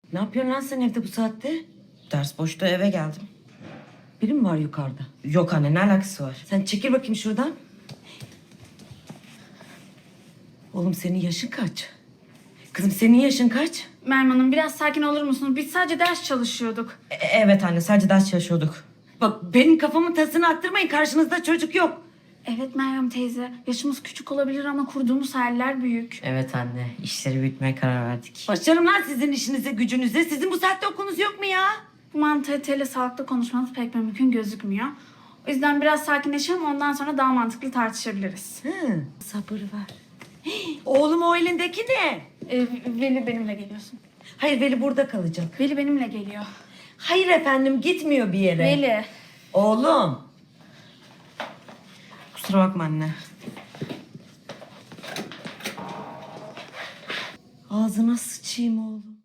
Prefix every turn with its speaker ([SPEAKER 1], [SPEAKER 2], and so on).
[SPEAKER 1] Ne yapıyorsun lan sen evde bu saatte?
[SPEAKER 2] Ders boşta eve geldim.
[SPEAKER 1] Biri mi var yukarıda?
[SPEAKER 2] Yok anne, ne alakası var?
[SPEAKER 1] Sen çekil bakayım şuradan. Oğlum senin yaşın kaç? Kızım senin yaşın kaç?
[SPEAKER 3] Meryem Hanım biraz sakin olur musunuz? Biz sadece ders çalışıyorduk.
[SPEAKER 2] Evet anne, sadece ders çalışıyorduk.
[SPEAKER 1] Bak benim kafamın tasını attırmayın, karşınızda çocuk yok.
[SPEAKER 3] Evet Meryem teyze. Yaşımız küçük olabilir ama kurduğumuz hayaller büyük.
[SPEAKER 2] Evet anne, işleri büyütmeye karar verdik.
[SPEAKER 1] Başlarım lan sizin işinize gücünüze. Sizin bu saatte okulunuz yok mu ya?
[SPEAKER 3] Bu mantalitayla sağlıklı konuşmanız pek mümkün gözükmüyor. O yüzden biraz sakinleşelim, ondan sonra daha mantıklı tartışabiliriz.
[SPEAKER 1] Hı, sabır ver. Hii, oğlum o elindeki ne?
[SPEAKER 3] Veli benimle geliyorsun.
[SPEAKER 1] Hayır Veli burada kalacak.
[SPEAKER 3] Veli benimle geliyor.
[SPEAKER 1] Hayır efendim gitmiyor bir yere.
[SPEAKER 3] Veli.
[SPEAKER 1] Oğlum.
[SPEAKER 2] Kusura bakma anne.
[SPEAKER 1] Ağzına sıçayım oğlum.